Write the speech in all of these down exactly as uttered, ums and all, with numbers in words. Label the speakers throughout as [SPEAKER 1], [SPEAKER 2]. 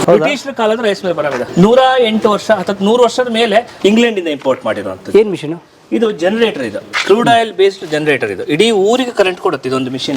[SPEAKER 1] ಬ್ರಿಟಿಷರ ಕಾಲದ rice mill ಬರೋದಿದೆ. ನೂರ ಎಂಟು ವರ್ಷ ಅಥವಾ ನೂರು ವರ್ಷದ ಮೇಲೆ ಇಂಗ್ಲೆಂಡ್ ಇಂದ ಇಂಪೋರ್ಟ್ ಮಾಡಿರುವಂಥದ್ದು.
[SPEAKER 2] ಏನ್ ಮಿಷನ್
[SPEAKER 1] ಇದು? ಜನರೇಟರ್. ಇದು ಕ್ರೂಡ್ ಆಯಿಲ್ ಬೇಸ್ಡ್ ಜನರೇಟರ್. ಇದು ಇಡೀ ಊರಿಗೆ ಕರೆಂಟ್ ಕೊಡುತ್ತೆ ಇದೊಂದು ಮಿಷಿನ್.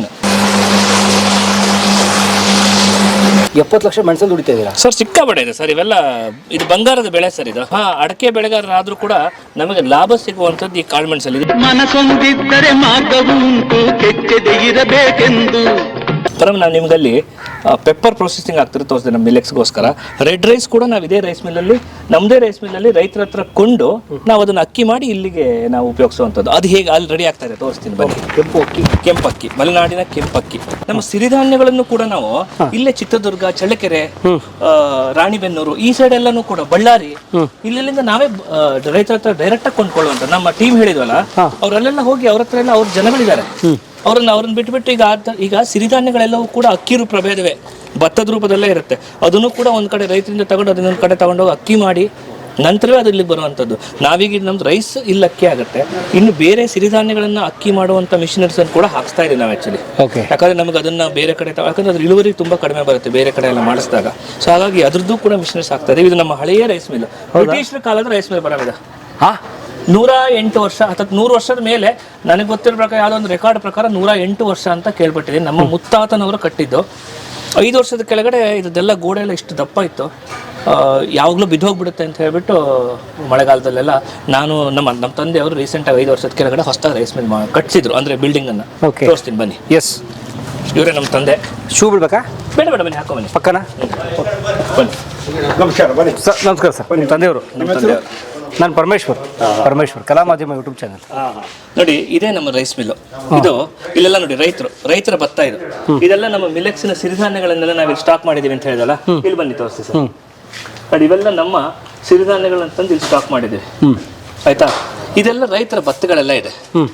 [SPEAKER 2] ಎಪ್ಪತ್ತು ಲಕ್ಷ ಮೆಣಸಲ್ಲಿ ದುಡಿತಾ ಇದ್ದೀರಾ
[SPEAKER 1] ಸರ್? ಸಿಕ್ಕಾಪಟ್ಟೆ ಇದೆ ಸರ್. ಇವೆಲ್ಲ ಇದು ಬಂಗಾರದ ಬೆಳೆ ಸರ್. ಇದು ಹಾ ಅಡಕೆ ಬೆಳೆಗಾರರಾದ್ರೂ ಕೂಡ ನಮಗೆ ಲಾಭ ಸಿಗುವಂತದ್ದು ಈ ಕಾಳುಮೆಣಸಲ್ಲಿ.
[SPEAKER 3] ಮನಸೊಂದಿದ್ದರೆ ಮಾರ್ಗವು ಉಂಟು, ಕೆಚ್ಚದೆ ಇರಬೇಕೆಂದು.
[SPEAKER 1] ಪರಮ ನಾವು ನಿಮ್ಗಲ್ಲಿ ಪೆಪ್ಪರ್ ಪ್ರೊಸೆಸಿಂಗ್ ಆಗ್ತಿರೋ ತೋರಿಸಿದೆ ನಮ್ಮ ಮಿಲೆಕ್ಸ್ಗೋಸ್ಕರ. ರೆಡ್ ರೈಸ್ ಕೂಡ ನಾವು ಇದೇ ರೈಸ್ ಮಿಲ್ಲಲ್ಲಿ, ನಮ್ಮದೇ ರೈಸ್ ಮಿಲ್ಲಲ್ಲಿ ರೈತರ ಹತ್ರ ಕೊಂಡು ನಾವು ಅದನ್ನು ಅಕ್ಕಿ ಮಾಡಿ ಇಲ್ಲಿಗೆ ನಾವು ಉಪಯೋಗಿಸುವಂಥದ್ದು. ಅದು ಹೇಗೆ ಅಲ್ಲಿ ರೆಡಿ ಆಗ್ತಾ ಇದೆ ತೋರಿಸ್ತೀನಿ ಬನ್ನಿ. ಕೆಂಪು ಅಕ್ಕಿ, ಕೆಂಪಕ್ಕಿ, ಮಲೆನಾಡಿನ ಕೆಂಪಕ್ಕಿ. ನಮ್ಮ ಸಿರಿಧಾನ್ಯಗಳನ್ನು ಕೂಡ ನಾವು ಇಲ್ಲೇ ಚಿತ್ರದುರ್ಗ, ಚಳ್ಳಕೆರೆ, ರಾಣಿಬೆನ್ನೂರು ಈ ಸೈಡ್ ಎಲ್ಲಾನು ಕೂಡ, ಬಳ್ಳಾರಿ, ಇಲ್ಲೆಲ್ಲಿಂದ ನಾವೇ ರೈತರ ಹತ್ರ ಡೈರೆಕ್ಟ್ ಆಗಿ ಕೊಂಡ್ಕೊಳ್ಳುವಂತ. ನಮ್ಮ ಟೀಮ್ ಹೇಳಿದ್ವಲ್ಲ, ಅವರೆಲ್ಲ ಹೋಗಿ ಅವ್ರ ಹತ್ರ ಎಲ್ಲ ಅವ್ರ ಜನಗಳಿದ್ದಾರೆ, ಅವ್ರನ್ನ ಅವ್ರನ್ನ ಬಿಟ್ಬಿಟ್ಟು ಈಗ ಈಗ ಸಿರಿಧಾನ್ಯಗಳೆಲ್ಲವೂ ಕೂಡ ಅಕ್ಕಿ ರೂಪ ಪ್ರಭೇದವೇ, ಭತ್ತದ ರೂಪದಲ್ಲೇ ಇರುತ್ತೆ. ಅದನ್ನು ಕೂಡ ಒಂದ್ ಕಡೆ ರೈತರಿಂದ ತಗೊಂಡು ಅದನ್ನೊಂದು ಕಡೆ ತಗೊಂಡೋಗಿ ಅಕ್ಕಿ ಮಾಡಿ ನಂತರವೇ ಅದು ಇಲ್ಲಿಗೆ ಬರುವಂಥದ್ದು. ನಾವೀಗ ನಮ್ದು ರೈಸ್ ಇಲ್ಲಿ ಅಕ್ಕಿ ಆಗುತ್ತೆ, ಇನ್ನು ಬೇರೆ ಸಿರಿಧಾನ್ಯಗಳನ್ನ ಅಕ್ಕಿ ಮಾಡುವಂಥ ಮಿಷನರೀಸ್ ಅನ್ನು ಕೂಡ ಹಾಕ್ಸ್ತಾ ಇದೀವಿ ನಾವು ಆ್ಯಕ್ಚುಲಿ. ಯಾಕಂದ್ರೆ ನಮಗೆ ಅದನ್ನ ಬೇರೆ ಕಡೆ ಯಾಕಂದ್ರೆ ಅದ್ರ ಇಳುವರಿ ತುಂಬಾ ಕಡಿಮೆ ಬರುತ್ತೆ ಬೇರೆ ಕಡೆ ಎಲ್ಲ ಮಾಡಿಸಿದಾಗ. ಸೊ ಹಾಗಾಗಿ ಅದ್ರದ್ದು ಕೂಡ ಮಿಷನರೀಸ್ ಆಗ್ತಾ ಇದೆ. ಇದು ನಮ್ಮ ಹಳೆಯ ರೈಸ್ ಮಿಲ್, ಬ್ರಿಟಿಷರ ಕಾಲದ ರೈಸ್ ಮಿಲ್ ಬರೋದಿದೆ. ನೂರ ಎಂಟು ವರ್ಷ ಅಥವಾ ನೂರು ವರ್ಷದ ಮೇಲೆ ನನಗೆ ಗೊತ್ತಿರೋ ಪ್ರಕಾರ ಯಾವುದೋ ಒಂದು ರೆಕಾರ್ಡ್ ಪ್ರಕಾರ ನೂರ ಎಂಟು ವರ್ಷ ಅಂತ ಕೇಳ್ಬಿಟ್ಟಿದ್ದೀನಿ. ನಮ್ಮ ಮುತ್ತಾತನವರು ಕಟ್ಟಿದ್ದು. ಐದು ವರ್ಷದ ಕೆಳಗಡೆ ಇದೆಲ್ಲ ಗೋಡೆ ಎಲ್ಲ ಇಷ್ಟು ದಪ್ಪ ಇತ್ತು, ಯಾವಾಗಲೂ ಬಿದ್ದೋಗ್ಬಿಡುತ್ತೆ ಅಂತ ಹೇಳ್ಬಿಟ್ಟು ಮಳೆಗಾಲದಲ್ಲೆಲ್ಲ ನಾನು ನಮ್ಮ ನಮ್ಮ ತಂದೆಯವರು ರೀಸೆಂಟಾಗಿ ಐದು ವರ್ಷದ ಕೆಳಗಡೆ ಹೊಸದಾಗಿ ರೈಸ್ ಮಿಲ್ ಕಟ್ಸಿದ್ರು, ಅಂದರೆ ಬಿಲ್ಡಿಂಗನ್ನು. ತೋರಿಸ್ತೀನಿ ಬನ್ನಿ.
[SPEAKER 2] ಎಸ್,
[SPEAKER 1] ಇವರೇ ನಮ್ಮ ತಂದೆ.
[SPEAKER 2] ಶೂ ಬಿಡ್ಬೇಕಾ?
[SPEAKER 1] ಬೇಡ ಬೇಡ ಬನ್ನಿ, ಹಾಕೋ ಬನ್ನಿ
[SPEAKER 2] ಪಕ್ಕನ
[SPEAKER 1] ಬನ್ನಿ.
[SPEAKER 4] ನಮಸ್ಕಾರ. ಬನ್ನಿ
[SPEAKER 2] ಸರ್. ನಮಸ್ಕಾರ ಸರ್. ನಿಮ್ಮ ತಂದೆಯವರು?
[SPEAKER 1] ನಮ್ಮ ತಂದೆಯವರು.
[SPEAKER 2] ನಾನು ಪರಮೇಶ್ವರ್, ಪರಮೇಶ್ವರ್ ಕಲಾ ಮಾಧ್ಯಮ ಯೂಟ್ಯೂಬ್ ಚಾನಲ್.
[SPEAKER 1] ನೋಡಿ, ಇದೇ ನಮ್ಮ ರೈಸ್ ಮಿಲ್ಲು. ಇದು ಇಲ್ಲೆಲ್ಲ ನೋಡಿ ರೈತರು ರೈತರ ಭತ್ತ ಇದು. ಇದೆಲ್ಲ ನಮ್ಮ ಮಿಲೆಕ್ಸಿನ ಸಿರಿಧಾನ್ಯಗಳನ್ನೆಲ್ಲ ನಾವಿಲ್ಲಿ ಸ್ಟಾಕ್ ಮಾಡಿದೀವಿ ಅಂತ ಹೇಳಿದಲ್ಲ, ಇಲ್ಲಿ ಬನ್ನಿ ತೋರಿಸ್ತೀವಿ ಸರ್. ನೋಡಿ, ಇವೆಲ್ಲ ನಮ್ಮ ಸಿರಿಧಾನ್ಯಗಳನ್ನ ತಂದು ಇಲ್ಲಿ ಸ್ಟಾಕ್ ಮಾಡಿದ್ದೀವಿ, ಆಯ್ತಾ? ಇದೆಲ್ಲ ರೈತರ ಭತ್ತಗಳೆಲ್ಲ ಇದೆ,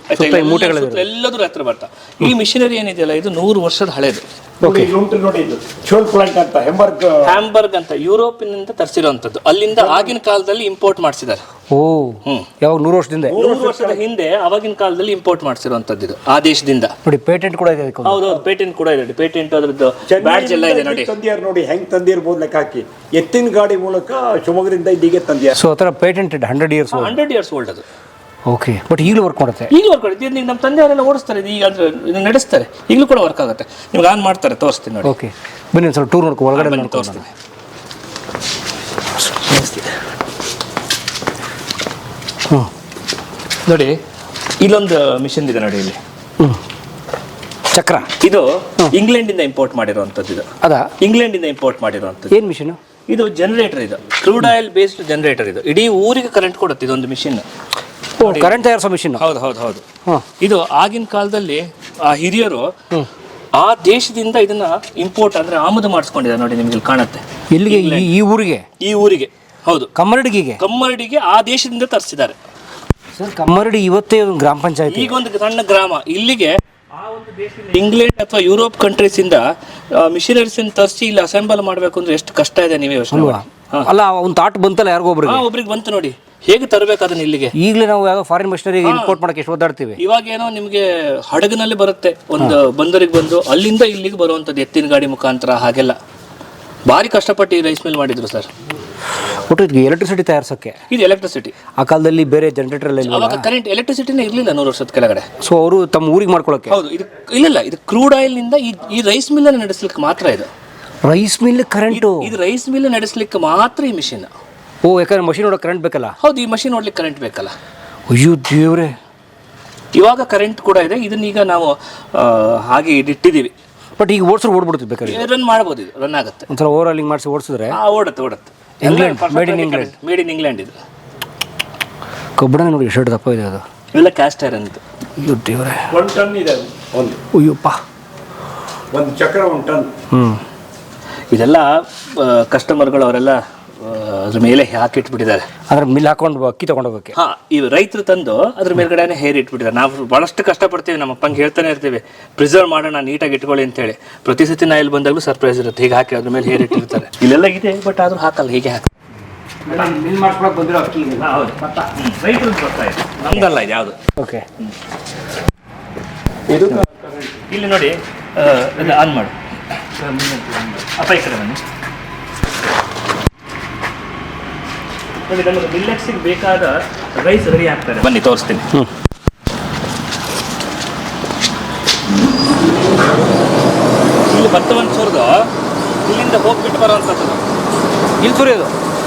[SPEAKER 1] ಎಲ್ಲದೂ ರೈತರ ಭತ್ತ. ಈ ಮಿಷನರಿ ಏನಿದೆಯಲ್ಲ ಇದು ನೂರು ವರ್ಷದ ಹಳೇದು. ಹ್ಯಾಂಬರ್ಗ್ ಅಂತ ಯುರೋಪಿನಿಂದ ತರಿಸಿರುವಂತದ್ದು, ಅಲ್ಲಿಂದ ಆಗಿನ ಕಾಲದಲ್ಲಿ ಇಂಪೋರ್ಟ್ ಮಾಡಿಸಿದ್ದಾರೆ.
[SPEAKER 2] ಓ, ಯಾವ ನೂರು ವರ್ಷದಿಂದ
[SPEAKER 1] ನೂರು ವರ್ಷದ ಹಿಂದೆ ಅವಾಗಿನ ಕಾಲದಲ್ಲಿ ಇಂಪೋರ್ಟ್ ಮಾಡಿಸಿರುವಂತದ್ದು ಇದು ಆ ದೇಶದಿಂದ.
[SPEAKER 2] ನೋಡಿ, ಪೇಟೆಂಟ್ ಕೂಡ ಇದೆ.
[SPEAKER 1] ಹೌದು, ಪೇಟೆಂಟ್ ಕೂಡ ಇದೆ. ಪೇಟೆಂಟ್ ಅದ್ರದ್ದು ಬ್ಯಾಡ್ಜ್ ಎಲ್ಲ ಇದೆ ನೋಡಿ.
[SPEAKER 4] ತಂದಿಯಾರು ನೋಡಿ ಹೆಂಗ್ ತಂದಿರ್ಬೋದು ಲೆಕ್ಕ ಹಾಕಿ. ಎತ್ತಿನ ಗಾಡಿ ಮೂಲಕ ಶಿವಮೊಗ್ಗದಿಂದ ಇಲ್ಲಿಗೆ ತಂದಿಯಾರ.
[SPEAKER 2] ಸೊ ಆತರ patented hundred years
[SPEAKER 1] hundred years old ಅದು.
[SPEAKER 2] ಓಕೆ, ಬಟ್ ಈಗಲೂ ವರ್ಕ್ ಮಾಡುತ್ತೆ.
[SPEAKER 1] ಈಗಲೂ ವರ್ಕ್ ಆಗುತ್ತೆ. ಈಗ ನಮ್ಮ ತಂದೆಯವರೆಲ್ಲ ಓಡಿಸ್ತಾರೆ, ಈಗ ಅಂದ್ರೆ ಇದನ್ನ ನಡೆಸ್ತಾರೆ, ಈಗಲೂ ಕೂಡ ವರ್ಕ್ ಆಗುತ್ತೆ. ನಿಮ್ಗೆ ಆನ್ ಮಾಡ್ತಾರೆ, ತೋರಿಸ್ತೀನಿ ನೋಡಿ.
[SPEAKER 2] ಓಕೆ, ಬನ್ನಿ ಒಂದು ಸ್ವಲ್ಪ ಟೂರ್ ನೋಡ್ಕೊ, ಒಳಗಡೆ ಬನ್ನಿ
[SPEAKER 1] ತೋರಿಸ್ತೀನಿ. ಹ್ಞೂ ನೋಡಿ, ಇಲ್ಲೊಂದು ಮಿಷನ್ ಇದೆ ನೋಡಿ, ಇಲ್ಲಿ
[SPEAKER 2] ಚಕ್ರ.
[SPEAKER 1] ಇದು ಇಂಗ್ಲೆಂಡ್ ಇಂದ ಇಂಪೋರ್ಟ್ ಮಾಡಿರುವಂತದ್ದು. ಇದು
[SPEAKER 2] ಅದಾ?
[SPEAKER 1] ಇಂಗ್ಲೆಂಡ್ ಇಂದ ಇಂಪೋರ್ಟ್ ಮಾಡಿರುವಂತದ್ದು.
[SPEAKER 2] ಏನ್ ಮಿಷನ್
[SPEAKER 1] ಇದು? ಜನರೇಟರ್. ಇದು ಕ್ರೂಡ್ ಆಯಿಲ್ ಬೇಸ್ಡ್ ಜನರೇಟರ್. ಇದು ಇಡೀ ಊರಿಗೆ ಕರೆಂಟ್ ಕೊಡುತ್ತೆ ಇದೊಂದು ಮಿಷಿನ್.
[SPEAKER 2] ಕರೆಂಟ್ ತಯಾರಿಸೋ ಮಿಷಿನ್.
[SPEAKER 1] ಹೌದು ಹೌದು ಹೌದು. ಇದು ಆಗಿನ ಕಾಲದಲ್ಲಿ ಆ ಹಿರಿಯರು ಆ ದೇಶದಿಂದ ಇದನ್ನ ಇಂಪೋರ್ಟ್ ಅಂದ್ರೆ ಆಮದು ಮಾಡಿಸ್ಕೊಂಡಿದ್ದಾರೆ ನೋಡಿ, ನಿಮ್ಗೆ ಇಲ್ಲಿ ಕಾಣುತ್ತೆ.
[SPEAKER 2] ಇಲ್ಲಿಗೆ? ಈ ಊರಿಗೆ?
[SPEAKER 1] ಈ ಊರಿಗೆ, ಹೌದು.
[SPEAKER 2] ಕಮ್ಮರಡಿಗೆ?
[SPEAKER 1] ಕಮ್ಮರಡಿಗೆ ಆ ದೇಶದಿಂದ ತರಿಸಿದ್ದಾರೆ
[SPEAKER 2] ಸರ್. ಕಮ್ಮರಡಿ ಇವತ್ತೇ ಒಂದು ಗ್ರಾಮ ಪಂಚಾಯತ್,
[SPEAKER 1] ಈಗ ಒಂದು ಸಣ್ಣ ಗ್ರಾಮ. ಇಲ್ಲಿಗೆ ಆ ಒಂದು ದೇಶದಿಂದ ಇಂಗ್ಲೆಂಡ್ ಅಥವಾ ಯುರೋಪ್ ಕಂಟ್ರೀಸ್ ಇಂದ ಮಿಷನರೀಸ್ ತರಿಸಿ ಇಲ್ಲಿ ಅಸೆಂಬಲ್ ಮಾಡಬೇಕು ಅಂದ್ರೆ ಎಷ್ಟು ಕಷ್ಟ ಇದೆ ನೀವೇ ಯೋಚನೆ ಮಾಡಿ.
[SPEAKER 2] ಅಲ್ಲ, ಒಂದು ತಾಟ್ ಬಂತಲ್ಲ ಯಾರಿಗೋ ಒಬ್ರಿಗೆ.
[SPEAKER 1] ಒಬ್ರಿಗೆ ಬಂತು ನೋಡಿ, ಹೇಗೆ ತರಬೇಕು ಅದನ್ನ ಇಲ್ಲಿಗೆ.
[SPEAKER 2] ಈಗಲೇ ನಾವು ಯಾವ ಫಾರಿನ್ ಮಿಷನರಿ ಇಂಪೋರ್ಟ್ ಮಾಡಕ್ಕೆ ಎಷ್ಟು ಓದಾಡ್ತೀವಿ.
[SPEAKER 1] ಇವಾಗ ಏನೋ ನಿಮಗೆ ಹಡಗಿನಲ್ಲಿ ಬರುತ್ತೆ, ಒಂದು ಬಂದರಿಗೆ ಬಂದು ಅಲ್ಲಿಂದ ಇಲ್ಲಿಗೆ ಬರುವಂತದ್ದು ಎತ್ತಿನ ಗಾಡಿ ಮುಖಾಂತರ. ಹಾಗೆಲ್ಲ ಭಾರಿ ಕಷ್ಟಪಟ್ಟು ಈ ರೈಸ್ ಮಿಲ್ ಮಾಡಿದ್ರು ಸರ್.
[SPEAKER 2] ಒಟ್ಟು ಇದಕ್ಕೆ ಎಲೆಕ್ಟ್ರಿಸಿಟಿ ತಯಾರಿಸೋಕ್ಕೆ
[SPEAKER 1] ಇದು ಎಲೆಕ್ಟ್ರಿಸಿಟಿ.
[SPEAKER 2] ಆ ಕಾಲದಲ್ಲಿ ಬೇರೆ ಜನರೇಟರ್ ಎಲ್ಲ
[SPEAKER 1] ಅವಾಗ ಕರೆಂಟ್ ಎಲೆಕ್ಟ್ರಿಸಿಟಿನೇ ಇರಲಿಲ್ಲ ನೂರು ವರ್ಷದ ಕೆಳಗಡೆ.
[SPEAKER 2] ಸೊ ಅವರು ತಮ್ಮ ಊರಿಗೆ ಮಾಡ್ಕೊಳ್ಳೋಕೆ.
[SPEAKER 1] ಹೌದು. ಇದು ಇಲ್ಲ, ಇದು ಕ್ರೂಡ್ ಆಯಿಲ್ ನಿಂದ ಈ ರೈಸ್ ಮಿಲ್ ಅನ್ನು ನಡೆಸಲಿಕ್ಕೆ ಮಾತ್ರ. ಇದು
[SPEAKER 2] ರೈಸ್ ಮಿಲ್ ಕರೆಂಟ್.
[SPEAKER 1] ಇದು ರೈಸ್ ಮಿಲ್ ನಡೆಸಲಿಕ್ಕೆ ಮಾತ್ರ ಈ ಮಿಷಿನ್.
[SPEAKER 2] ಓ, ಯಾಕಂದ್ರೆ ಮಷಿನ್ ನೋಡೋ ಕರೆಂಟ್ ಬೇಕಲ್ಲ.
[SPEAKER 1] ಹೌದು, ಈ ಮಷಿನ್ ನೋಡ್ಲಿಕ್ಕೆ ಕರೆಂಟ್ ಬೇಕಲ್ಲ.
[SPEAKER 2] ಅಯ್ಯೋ ದೇವ್ರೆ.
[SPEAKER 1] ಇವಾಗ ಕರೆಂಟ್ ಕೂಡ ಇದೆ. ಇದನ್ನೀಗ ನಾವು ಹಾಗೆ ಇಟ್ಟಿದ್ದೀವಿ.
[SPEAKER 2] ಬಟ್ ಈಗ ಓಡಿಸ್ರು ಓಡ್ಬಿಡ್ತೀವಿ, ಬೇಕಾದ್ರೆ
[SPEAKER 1] ರನ್ ಮಾಡ್ಬೋದು. ಇದು ರನ್ ಆಗುತ್ತೆ.
[SPEAKER 2] ಒಂಥರ ಓವರ್ ಆಲಿಂಗ್ ಮಾಡಿಸಿ ಓಡಿಸಿದ್ರೆ
[SPEAKER 1] ಓಡುತ್ತೆ ಓಡುತ್ತೆ.
[SPEAKER 2] England, made in England.
[SPEAKER 1] Made in England. ಇದು
[SPEAKER 2] ಕಬ್ಬಣ ನೋಡಿ ಎಷ್ಟು ದಪ್ಪ ಇದೆ ಅದು.
[SPEAKER 1] ಇವೆಲ್ಲ ಕ್ಯಾಸ್ಟ್ ಐರನ್. ಇದು
[SPEAKER 2] ಅಯ್ಯೋ ದೇವ್ರೆ,
[SPEAKER 4] ಒಂದು ಟನ್ ಇದೆ ಒಂದು.
[SPEAKER 2] ಅಯ್ಯಪ್ಪ,
[SPEAKER 4] ಒಂದು ಚಕ್ರ ಒಂದು ಟನ್.
[SPEAKER 2] ಹ್ಞೂ.
[SPEAKER 1] ಇದೆಲ್ಲ ಕಸ್ಟಮರ್ಗಳು ಅವರೆಲ್ಲ ಅದ್ರ ಮೇಲೆ ಹಾಕಿಟ್ಬಿಟ್ಟಿದ್ದಾರೆ.
[SPEAKER 2] ಅದ್ರ ಮಿಲ್ ಹಾಕೊಂಡು ಅಕ್ಕಿ ತಗೊಂಡೋಗಕ್ಕೆ.
[SPEAKER 1] ಹಾ, ಈ ರೈತರು ತಂದು ಅದ್ರ ಮೇಲ್ಗಡೆ ಹೇರ್ ಇಟ್ಬಿಟ್ಟಿದ್ದಾರೆ. ನಾವು ಬಹಳಷ್ಟು ಕಷ್ಟಪಡ್ತೀವಿ, ನಮ್ಮ ಅಪ್ಪಂಗೆ ಹೇಳ್ತಾನೆ ಇರ್ತೀವಿ, ಪ್ರಿಸರ್ವ್ ಮಾಡೋಣ, ನೀಟಾಗಿ ಇಟ್ಕೊಳ್ಳಿ ಅಂತ ಹೇಳಿ. ಪ್ರತಿ ಸತಿ ನಾ ಇಲ್ಲಿ ಬಂದಾಗಲೂ ಸರ್ಪ್ರೈಸ್ ಇರುತ್ತೆ. ಹೀಗೆ ಹಾಕಿ ಅದ್ರ ಮೇಲೆ ಹೇರ್ ಇಟ್ಟಿರ್ತಾರೆ. ಇಲ್ಲೆಲ್ಲ ಇದೆ, ಬಟ್ ಆದ್ರೂ ಹಾಕಲ್ಲ, ಹೀಗೆ ಹಾಕಿ
[SPEAKER 2] ಮಿಲ್ ಮಾಡ್ಕೊಳಕ್ ಬಂದಿರೋ ಅಕ್ಕಿ.
[SPEAKER 1] ಹೌದು, ರೈತರು ಬರ್ತಾ ಇದೆ, ನಮ್ದಲ್ಲ ಇದು ಯಾವುದು.
[SPEAKER 2] ಓಕೆ,
[SPEAKER 4] ಇದು
[SPEAKER 1] ಇಲ್ಲಿ ನೋಡಿ, ಆನ್ ಮಾಡು ಅಪ್ಪ, ಈ ಕಡೆ ಬನ್ನಿ. ನೋಡಿ ನಮಗೆ ಮಿಲ್ಲೆಕ್ಸಿಗೆ ಬೇಕಾದ ರೈಸ್ ರೆಡಿ ಆಗ್ತದೆ. ಬನ್ನಿ ತೋರಿಸ್ತೀನಿ. ಇಲ್ಲಿ ಭತ್ತವನ್ನು ಸುರಿದು ಇಲ್ಲಿಂದ ಹೋಗ್ಬಿಟ್ಟು ಬರುವಂಥದ್ದು
[SPEAKER 2] ಇಲ್ಲಿ ಸುರಿಯೋದು.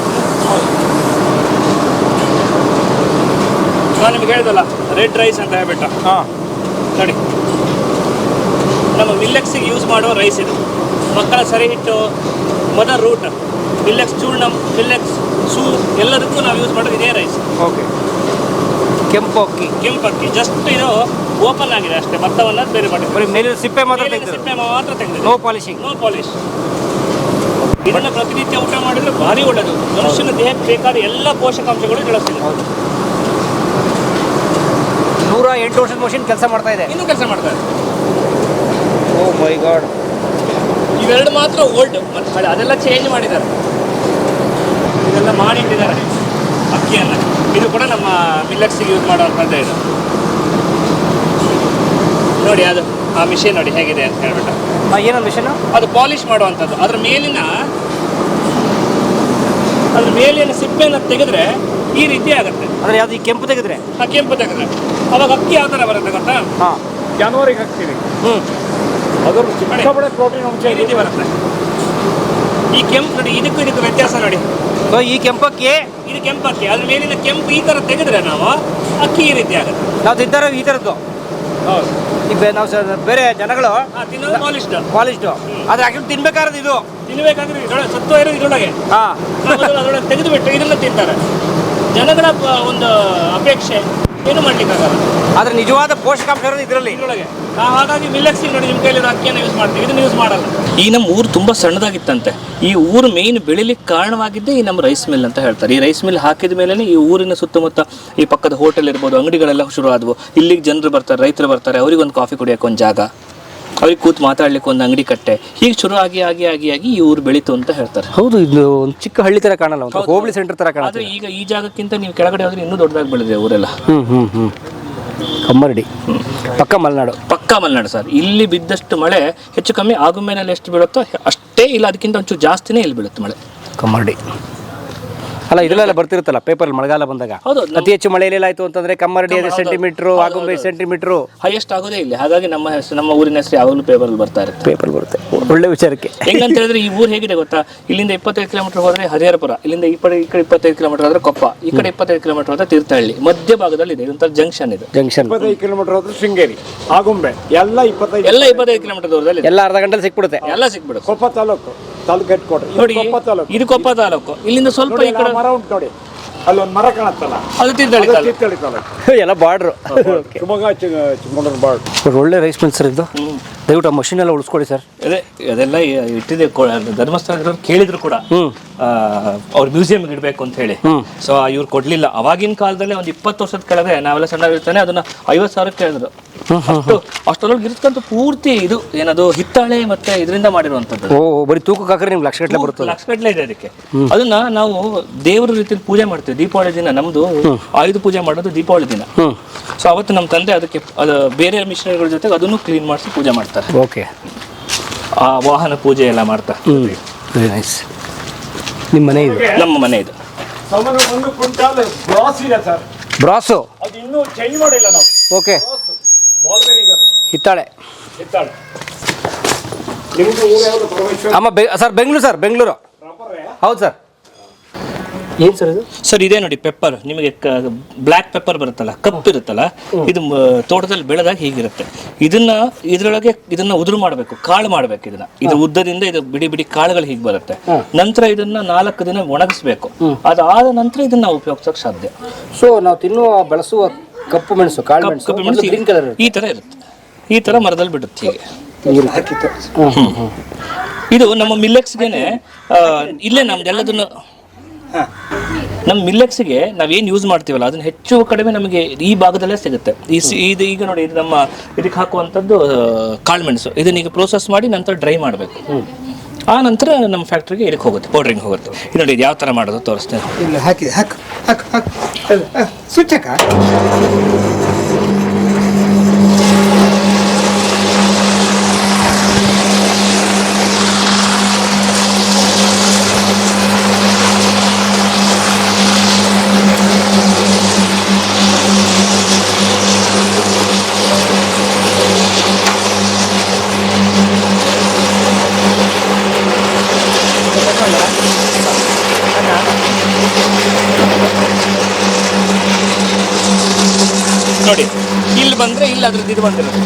[SPEAKER 1] ನಾನು ನಿಮ್ಗೆ ಹೇಳಿದಲ್ಲ ರೆಡ್ ರೈಸ್ ಅಂತ ಹೇಳ್ಬಿಟ್ಟು.
[SPEAKER 2] ಹಾಂ
[SPEAKER 1] ನೋಡಿ ನಮ್ಮ ಮಿಲ್ಲೆಕ್ಸಿಗೆ ಯೂಸ್ ಮಾಡುವ ರೈಸ್ ಇದು. ಮಕ್ಕಳ ಸರಿ ಹಿಟ್ಟು, ಮದರ್ ರೂಟ್, ಮಿಲ್ಲೆಕ್ಸ್ ಚೂರ್ಣಂ, ಮಿಲ್ಲೆಕ್ಸ್ ಸೂಪ್ ಎಲ್ಲದಕ್ಕೂ ನಾವು ಯೂಸ್ ಮಾಡೋದು ಇದೇ ರೈಸ್.
[SPEAKER 2] ಓಕೆ. ಕೆಂಪು ಅಕ್ಕಿ,
[SPEAKER 1] ಕೆಂಪು ಅಕ್ಕಿ. ಜಸ್ಟ್ ಇದು ಓಪನ್ ಆಗಿದೆ ಅಷ್ಟೇ, ಭತ್ತವನ್ನು ಬೇರೆ
[SPEAKER 2] ಬರೀ
[SPEAKER 1] ಮಾಡಿದ್ದೀವಿ.
[SPEAKER 2] ಮೇಲಿನ ಸಿಪ್ಪೆ ಮಾತ್ರ
[SPEAKER 1] ಮೇಲಿನ
[SPEAKER 2] ತೆಗ್ದಿರೋದು.
[SPEAKER 1] ಸಿಪ್ಪೆ ಮಾತ್ರ ತೆಗೆದು,
[SPEAKER 2] ನೋ ಪಾಲಿಶಿಂಗ್.
[SPEAKER 1] No polish. ಇದನ್ನು ಪ್ರತಿನಿತ್ಯ ಊಟ ಮಾಡಿದ್ರೆ ಭಾರಿ ಒಳ್ಳೆಯದು. ಮನುಷ್ಯನ ದೇಹಕ್ಕೆ ಬೇಕಾದ ಎಲ್ಲ ಪೋಷಕಾಂಶಗಳು ಬೆಳೆಸ್ತೀವಿ.
[SPEAKER 2] ನೂರ ಎಂಟು ವರ್ಷದ ಮಷಿನ್ ಕೆಲಸ ಮಾಡ್ತಾ ಇದೆ.
[SPEAKER 1] ಇನ್ನೂ ಕೆಲಸ ಮಾಡ್ತಾರೆ.
[SPEAKER 2] Oh my god.
[SPEAKER 1] ಇವೆರಡು ಮಾತ್ರ ಓಲ್ಡ್, ಮತ್ತು ಹಳೆ ಅದೆಲ್ಲ ಚೇಂಜ್ ಮಾಡಿದ್ದಾರೆ. ಇದೆಲ್ಲ ಮಾಡಿಟ್ಟಿದ್ದಾರೆ ಅಕ್ಕಿಯನ್ನು. ಇದು ಕೂಡ ನಮ್ಮ ಮಿಲ್ಲೆಕ್ಸಿಗೆ ಯೂಸ್ ಮಾಡುವಂಥದ್ದೇ ಇದು. ನೋಡಿ ಅದು ಆ ಮಿಷಿನ್ ನೋಡಿ ಹೇಗಿದೆ ಅಂತ ಹೇಳ್ಬಿಟ್ಟು.
[SPEAKER 2] ಏನೋ ಮಿಷನ್
[SPEAKER 1] ಅದು ಪಾಲಿಶ್ ಮಾಡುವಂಥದ್ದು. ಅದ್ರ ಮೇಲಿನ ಅದ್ರ ಮೇಲಿನ ಸಿಪ್ಪೆಯನ್ನು ತೆಗೆದ್ರೆ ಈ ರೀತಿ ಆಗುತ್ತೆ.
[SPEAKER 2] ಅಂದರೆ ಯಾವುದು ಈ ಕೆಂಪು ತೆಗೆದ್ರೆ?
[SPEAKER 1] ಆ ಕೆಂಪು ತೆಗೆದ್ರೆ ಅವಾಗ ಅಕ್ಕಿ ಯಾವ ಥರ ಬರುತ್ತೆ ಗೊತ್ತಾ?
[SPEAKER 2] ಹಾಂ,
[SPEAKER 4] ಜಾನುವಾರಿಗೆ ಹಾಕ್ತೀವಿ.
[SPEAKER 2] ಹ್ಞೂ,
[SPEAKER 4] ಅದರ ಸಿಕ್ಕಾಪಟ್ಟೆ ಪ್ರೋಟೀನ್ ಅಂಶ
[SPEAKER 1] ಈ ರೀತಿ ಬರುತ್ತೆ. ಈ ಕೆಂಪು ನೋಡಿ, ಇದಕ್ಕೂ ಇದಕ್ಕೂ ವ್ಯತ್ಯಾಸ ನೋಡಿ.
[SPEAKER 2] ಸೊ ಈ ಕೆಂಪಕ್ಕಿ,
[SPEAKER 1] ಇದು ಕೆಂಪು ಅಕ್ಕಿ. ಅದ್ರ ಮೇಲಿನ ಕೆಂಪು ಈ ಥರ ತೆಗೆದ್ರೆ ನಾವು ಅಕ್ಕಿ ಈ ರೀತಿ ಆಗುತ್ತೆ.
[SPEAKER 2] ನಾವು ತಿಂತಾರೋ ಈ ಥರದ್ದು.
[SPEAKER 1] ಹೌದು.
[SPEAKER 2] ಈಗ ನಾವು ಸ ಬೇರೆ ಜನಗಳು
[SPEAKER 1] ತಿನ್ನೋದು ಪಾಲಿಶ್ಡ್
[SPEAKER 2] ಪಾಲಿಶ್ಡು, ಆದರೆ ಆ್ಯಕ್ಚುಲಿ ತಿನ್ಬೇಕಾದ್ರೆ ಇದು
[SPEAKER 1] ತಿನ್ನಬೇಕಾದ್ರೆ ಇದರೊಳಗೆ ಸತ್ವ ಇರೋದು ಇದರೊಳಗೆ.
[SPEAKER 2] ಹಾಂ,
[SPEAKER 1] ಅದರೊಳಗೆ ತೆಗೆದು ಬಿಟ್ಟು ಇದನ್ನು ತಿಂತಾರೆ. ಜನಗಳ ಪ- ಒಂದು ಅಪೇಕ್ಷೆ ಏನು ಮಾಡ್ಲಿಕ್ಕಾಗಲ್ಲ.
[SPEAKER 2] ಆದರೆ ನಿಜವಾದ ಪೋಷಕಾಂಶ ಇರೋದು ಇದರಲ್ಲಿ.
[SPEAKER 1] ಇದರೊಳಗೆ ಹಾಗಾಗಿ ಮಿಲ್ಲೆಕ್ಸಿಗೆ ನೋಡಿ ನಿಮ್ಮ ಕೈಲಿರೋ ಅಕ್ಕಿಯನ್ನು ಯೂಸ್ ಮಾಡ್ತೀವಿ, ಇದನ್ನು ಯೂಸ್ ಮಾಡಲ್ಲ. ಈ ನಮ್ಮ ಊರು ತುಂಬ ಸಣ್ಣದಾಗಿತ್ತಂತೆ. ಈ ಊರು ಮೇಯ್ನ್ ಬೆಳಿಲಿಕ್ಕೆ ಕಾರಣವಾಗಿದ್ದೇ ಈ ನಮ್ಮ ರೈಸ್ ಮಿಲ್ ಅಂತ ಹೇಳ್ತಾರೆ. ಈ ರೈಸ್ ಮಿಲ್ ಹಾಕಿದ ಮೇಲೆ ಈ ಊರಿನ ಸುತ್ತಮುತ್ತ ಈ ಪಕ್ಕದ ಹೋಟೆಲ್ ಇರ್ಬೋದು, ಅಂಗಡಿಗಳೆಲ್ಲ ಶುರು ಆದವು. ಇಲ್ಲಿಗೆ ಜನರು ಬರ್ತಾರೆ, ರೈತರು ಬರ್ತಾರೆ, ಅವ್ರಿಗೊಂದು ಕಾಫಿ ಕುಡಿಯೋಕೆ ಒಂದು ಜಾಗ, ಅವ್ರಿಗೆ ಕೂತು ಮಾತಾಡ್ಲಿಕ್ಕೆ ಒಂದು ಅಂಗಡಿ ಕಟ್ಟೆ, ಹೀಗೆ ಶುರು ಆಗಿ ಆಗಿ ಆಗಿ ಆಗಿ ಈ ಊರು ಬೆಳೀತು ಅಂತ ಹೇಳ್ತಾರೆ.
[SPEAKER 2] ಹೌದು, ಇದು ಒಂದು ಚಿಕ್ಕ ಹಳ್ಳಿ ಥರ ಕಾಣಲ್ಲ, ಒಂದು ಹೋಬಳಿ ಸೆಂಟರ್ ಥರ ಕಾಣುತ್ತೆ.
[SPEAKER 1] ಆದರೆ ಈಗ ಈ ಜಾಗಕ್ಕಿಂತ ನೀವು ಕೆಳಗಡೆ ಹೋದ್ರೆ ಇನ್ನೂ ದೊಡ್ಡದಾಗಿ ಬೆಳೆದಿದೆ ಊರೆಲ್ಲ.
[SPEAKER 2] ಹ್ಞೂ ಹ್ಞೂ ಹ್ಞೂ ಕಮ್ಮರಡಿ ಪಕ್ಕ ಮಲೆನಾಡು.
[SPEAKER 1] ಪಕ್ಕ ಮಲೆನಾಡು ಸರ್. ಇಲ್ಲಿ ಬಿದ್ದಷ್ಟು ಮಳೆ ಹೆಚ್ಚು ಕಮ್ಮಿ ಆಗುಂಬೆನಲ್ಲಿ ಎಷ್ಟು ಬೀಳುತ್ತೋ ಅಷ್ಟೇ, ಇಲ್ಲ ಅದಕ್ಕಿಂತ ಒಂಚೂರು ಜಾಸ್ತಿನೇ ಇಲ್ಲಿ ಬೀಳುತ್ತೆ ಮಳೆ.
[SPEAKER 2] ಕಮ್ಮರಡಿ ಅಲ್ಲ, ಇದೆಲ್ಲ ಬರ್ತಿರುತ್ತಲ್ಲ ಪೇಪರ್ ಮಳೆಗಾಲ ಬಂದಾಗ.
[SPEAKER 1] ಹೌದು.
[SPEAKER 2] ಅತಿ ಹೆಚ್ಚು ಮಳೆ ಎಲ್ಲಾಯ್ತು ಅಂತಂದ್ರೆ ಕಮ್ಮರಡಿ ಐದು ಸೆಂಟಿಮೀಟ್ರು, ಆಗುಂಬೆ ಸೆಂಟಿಮೀಟ್ರು
[SPEAKER 1] ಹೈಯೆಸ್ಟ್ ಆಗೋದೇ ಇಲ್ಲಿ. ಹಾಗಾಗಿ ನಮ್ಮ ಹೆಸರು, ನಮ್ಮ ಊರಿನ ಹೆಸರು ಯಾವಾಗಲೂ ಪೇಪರಲ್ಲಿ ಬರ್ತಾ ಇರುತ್ತೆ.
[SPEAKER 2] ಪೇಪರ್ ಬರುತ್ತೆ. ಒಳ್ಳೆ ವಿಚಾರಕ್ಕೆ.
[SPEAKER 1] ಹೆಂಗಂತ ಹೇಳಿದ್ರೆ ಈ ಊರು ಹೇಗಿದೆ ಗೊತ್ತಾ? ಇಲ್ಲಿಂದ ಇಪ್ಪತ್ತೈದು ಕಿಲೋಮೀಟರ್ ಹೋದ್ರೆ ಹರಿಹರಪುರ, ಇಲ್ಲಿಂದ ಈ ಕಡೆ ಈ ಕಡೆ ಇಪ್ಪತ್ತೈದು ಕಿಲೋಮೀಟರ್ ಹೋದ್ರೆ ಕೊಪ್ಪ, ಈ ಕಡೆ ಇಪ್ಪತ್ತೈದು ಕಿಲೋಮೀಟರ್ ಹೋದ್ರೆ ತೀರ್ಥಹಳ್ಳಿ, ಮಧ್ಯ ಭಾಗದಲ್ಲಿ ಇದೆ ಇದೊಂಥರ ಜಂಕ್ಷನ್. ಇದು
[SPEAKER 2] ಜಂಕ್ಷನ್.
[SPEAKER 4] ಇಪ್ಪತ್ತೈದು ಕಿಲೋಮೀಟರ್ ಹೋದ್ರೆ ಶೃಂಗೇರಿ, ಆಗುಂಬೆ ಎಲ್ಲ ಇಪ್ಪತ್ತೈದು
[SPEAKER 1] ಎಲ್ಲ ಇಪ್ಪತ್ತೈದು ಕಿಲೋಮೀಟರ್ ದೂರದಲ್ಲಿ
[SPEAKER 2] ಎಲ್ಲ ಅರ್ಧ ಗಂಟೆಲಿ ಸಿಕ್ಬಿಡುತ್ತೆ.
[SPEAKER 1] ಎಲ್ಲ ಸಿಕ್ಬಿಡುತ್ತೆ.
[SPEAKER 4] ಕೊಪ್ಪ ತಾಲೂಕು, ತಾಲೂಕು ಹೆಡ್ಕೋಟೆ
[SPEAKER 1] ನೋಡಿ,
[SPEAKER 4] ಕೊಪ್ಪ ತಾಲೂಕು.
[SPEAKER 1] ಇದು ಕೊಪ್ಪ ತಾಲೂಕು. ಇಲ್ಲಿಂದ ಸ್ವಲ್ಪ
[SPEAKER 4] ನೋಡಿ,
[SPEAKER 1] ಈ ಕಡೆ
[SPEAKER 4] ಆ ಮರ ಉಂಟು ನೋಡಿ, ಅಲ್ಲೊಂದು ಮರ ಕಾಣತ್ತಲ್ಲ,
[SPEAKER 1] ಅದು ತೀರ್ಥಹಳ್ಳಿ
[SPEAKER 4] ಅದು
[SPEAKER 1] ತಾಲೂಕು.
[SPEAKER 4] ತೀರ್ಥಹಳ್ಳಿ ತಾಲೂಕು.
[SPEAKER 2] ಎಲ್ಲ ಬಾರ್ಡ್ರು.
[SPEAKER 4] ಶಿವಮೊಗ್ಗ ಚಿಕ್ಕಮಗಳೂರು ಬಾರ್ಡ್ರು.
[SPEAKER 2] ಒಳ್ಳೆ ರೈಸ್ ಮಿಲ್ ಸರ್ ಇದು. ದಯವಿಟ್ಟು ಆ ಮಷಿನ್ ಎಲ್ಲ ಉಳಿಸ್ಕೊಡಿ ಸರ್.
[SPEAKER 1] ಅದೇ ಅದೆಲ್ಲ ಇಟ್ಟಿದೆ. ಧರ್ಮಸ್ಥಳದವ್ರು ಕೇಳಿದ್ರು ಕೂಡ
[SPEAKER 2] ಹ್ಮ್
[SPEAKER 1] ಅವ್ರ ಮ್ಯೂಸಿಯಂಗೆ ಇಡಬೇಕು ಅಂತ ಹೇಳಿ. ಸೊ ಇವ್ರು ಕೊಡ್ಲಿಲ್ಲ. ಅವಾಗಿನ ಕಾಲದಲ್ಲಿ ಒಂದು ಇಪ್ಪತ್ತು ವರ್ಷದ ಕೆಳಗೆ ನಾವೆಲ್ಲ ಸಣ್ಣ ಇರ್ತಾನೆ ಅದನ್ನ ಐವತ್ತು ಸಾವಿರಕ್ಕೆ ಕೇಳಿದ್ರು. ಅಷ್ಟು ಅಷ್ಟೊಳಗೆ ಇರ್ತಕ್ಕಂಥ ಪೂರ್ತಿ ಇದು ಏನದು ಹಿತ್ತಾಳೆ ಮತ್ತೆ ಇದರಿಂದ ಮಾಡಿರುವಂಥದ್ದು.
[SPEAKER 2] ಓ, ಬರೀ ತೂಕಕ್ಕೆ ಹಾಕಿದ್ರೆ ನಿಮ್ಗೆ ಲಕ್ಷ ಗಟ್ಟಲೆ ಬರುತ್ತೆ.
[SPEAKER 1] ಲಕ್ಷ ಗಟ್ಟಲೆ ಇದೆ ಅದಕ್ಕೆ. ಅದನ್ನ ನಾವು ದೇವರ ರೀತಿಯಲ್ಲಿ ಪೂಜೆ ಮಾಡ್ತೀವಿ. ದೀಪಾವಳಿ ದಿನ ನಮ್ದು ಆಯುಧ ಪೂಜೆ ಮಾಡೋದು ದೀಪಾವಳಿ ದಿನ. ಸೊ ಅವತ್ತು ನಮ್ಮ ತಂದೆ ಅದಕ್ಕೆ ಅದು ಬೇರೆ ಮಿಷನರಿಗಳ ಜೊತೆಗೆ ಅದನ್ನು ಕ್ಲೀನ್ ಮಾಡಿಸಿ ಪೂಜೆ ಮಾಡ್ತಾರೆ.
[SPEAKER 2] ಓಕೆ.
[SPEAKER 1] ಆ ವಾಹನ ಪೂಜೆ ಎಲ್ಲ ಮಾಡ್ತಾರೆ.
[SPEAKER 2] Very nice. ನಿಮ್ಮ ಮನೆ ಇದು?
[SPEAKER 1] ನಮ್ಮ ಮನೆ ಇದು.
[SPEAKER 4] ಸಾಮಾನ್ಯ ಒಂದು ಕ್ವಿಂಟಾಲ್ ಬ್ರಾಸ್ ಇದೆ ಸರ್.
[SPEAKER 2] ಬ್ರಾಸು?
[SPEAKER 4] ಅದು ಇನ್ನೂ ಚೇಂಜ್ ಮಾಡಿಲ್ಲ ನಾವು.
[SPEAKER 2] ಓಕೆ.
[SPEAKER 4] ಬಾಲ್ಬೇರಿಗೆ ಅದು
[SPEAKER 2] ಹಿತ್ತಾಳೆ.
[SPEAKER 4] ಹಿತ್ತಾಳೆ. ನಿಮ್ದು ಊರು ಯಾವುದು? ಪರಮೇಶ್ವರ.
[SPEAKER 2] ಅಮ್ಮ ಬೆ ಸರ್ ಬೆಂಗಳೂರು ಸರ್, ಬೆಂಗಳೂರು. ಹೌದು ಸರ್. ಏನು ಸರ್ ಇದು?
[SPEAKER 1] ಸರ್ ಇದೇ ನೋಡಿ ಪೆಪ್ಪರ್. ನಿಮಗೆ ಬ್ಲ್ಯಾಕ್ ಪೆಪ್ಪರ್ ಬರುತ್ತಲ್ಲ, ಕಪ್ಪು ಇರುತ್ತಲ್ಲ, ಇದು ಮ- ತೋಟದಲ್ಲಿ ಬೆಳೆದಾಗ ಹೀಗಿರುತ್ತೆ. ಇದನ್ನ ಇದರೊಳಗೆ ಇದನ್ನ ಉದುರು ಮಾಡಬೇಕು, ಕಾಳು ಮಾಡಬೇಕು. ಇದನ್ನ ಇದು ಉದ್ದದಿಂದ ಇದು ಬಿಡಿ ಬಿಡಿ ಕಾಳುಗಳು ಹೀಗೆ ಬರುತ್ತೆ. ನಂತರ ಇದನ್ನ ನಾಲ್ಕು ದಿನ ಒಣಗಿಸ್ಬೇಕು. ಅದಾದ ನಂತರ ಇದನ್ನ ನಾವು ಉಪಯೋಗಿಸೋಕೆ ಸಾಧ್ಯ.
[SPEAKER 2] ಸೊ ನಾವು ತಿನ್ನುವ ಬಳಸುವ ಕಪ್ಪು ಮೆಣಸು, ಕಾಳು
[SPEAKER 1] ಕಪ್ಪು
[SPEAKER 2] ಮೆಣಸು,
[SPEAKER 1] ಕಪ್ಪು ಮೆಣಸು
[SPEAKER 2] ಗ್ರೀನ್ ಕಲರ್
[SPEAKER 1] ಈ ತರ ಇರುತ್ತೆ. ಈ ತರ ಮರದಲ್ಲಿ ಬಿಡುತ್ತೆ ಹೀಗೆ.
[SPEAKER 2] ಹ್ಮ್ ಹ್ಮ್.
[SPEAKER 1] ಇದು ನಮ್ಮ ಮಿಲ್ಲೆಕ್ಸ್ಗೆನೆ ಇಲ್ಲೇ ನಮ್ದೆಲ್ಲದನ್ನು ನಮ್ಮ ಮಿಲ್ಲೆಕ್ಸ್ಗೆ ನಾವೇನು ಯೂಸ್ ಮಾಡ್ತೀವಲ್ಲ ಅದನ್ನ ಹೆಚ್ಚು ಕಡಿಮೆ ನಮಗೆ ಈ ಭಾಗದಲ್ಲೇ ಸಿಗುತ್ತೆ. ಈ ಸಿ- ಇದು ಈಗ ನೋಡಿ, ಇದು ನಮ್ಮ ಇದಕ್ಕೆ ಹಾಕುವಂಥದ್ದು ಕಾಳುಮೆಣಸು. ಇದನ್ನ ಈಗ ಪ್ರೋಸೆಸ್ ಮಾಡಿ ನಂತರ ಡ್ರೈ ಮಾಡಬೇಕು. ಆ ನಂತರ ನಮ್ಮ ಫ್ಯಾಕ್ಟ್ರಿಗೆ ಇದಕ್ಕೆ ಹೋಗುತ್ತೆ, ಪೌಡ್ರಿಂಗ್ ಹೋಗುತ್ತೆ. ಇದು ನೋಡಿ, ಇದು ಯಾವ ಥರ ಮಾಡೋದು ತೋರಿಸ್ತೇನೆ.
[SPEAKER 5] ಇಲ್ಲ ಹಾಕಿ ಹಾಕು ಹಾಕು ಹಾಕು ಸ್ವಿಚ್ ಹಾಕ.
[SPEAKER 1] ನೋಡಿ ಇಲ್ಲಿ ಬಂದರೆ ಇಲ್ಲಿ ಅದ್ರದ್ದು ಇದು ಬಂದಿರೋದು